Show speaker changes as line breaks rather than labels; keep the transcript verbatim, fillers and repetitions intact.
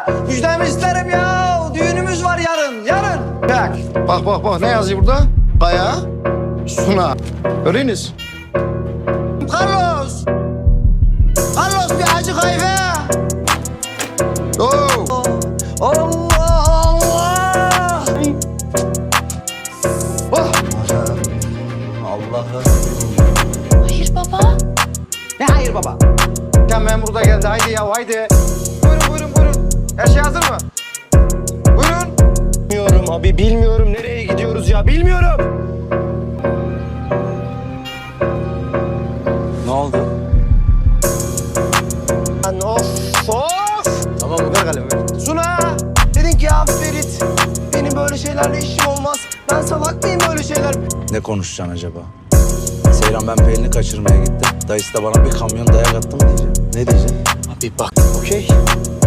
Müjdemi isterim ya. Düğünümüz var yarın, yarın. Bak.
Bak bak bak ne yazıyor burada? Kaya, Suna. Öğreniz.
Carlos. Carlos bir acı kahve.
Oo.
Allah Allah.
Oh.
Allah'ım.
Hayır baba.
Ne hayır baba? Ya memur da geldi. Haydi ya haydi. Buyurun buyurun buyurun. Her şey hazır mı? Buyurun.
Bilmiyorum abi, bilmiyorum. Nereye gidiyoruz ya? Bilmiyorum.
Ne oldu?
Lan of of.
Tamam ver kalemi ver.
Suna, dedin ki ya Ferit, benim böyle şeylerle işim olmaz. Ben salak mıyım böyle şeyler?
Ne konuşacaksın acaba? Seyran ben Pelin'i kaçırmaya gittim. Dayısı da bana bir kamyon dayak attı mı diyeceğim. Ne diyeceğim?
Abi bak, okey.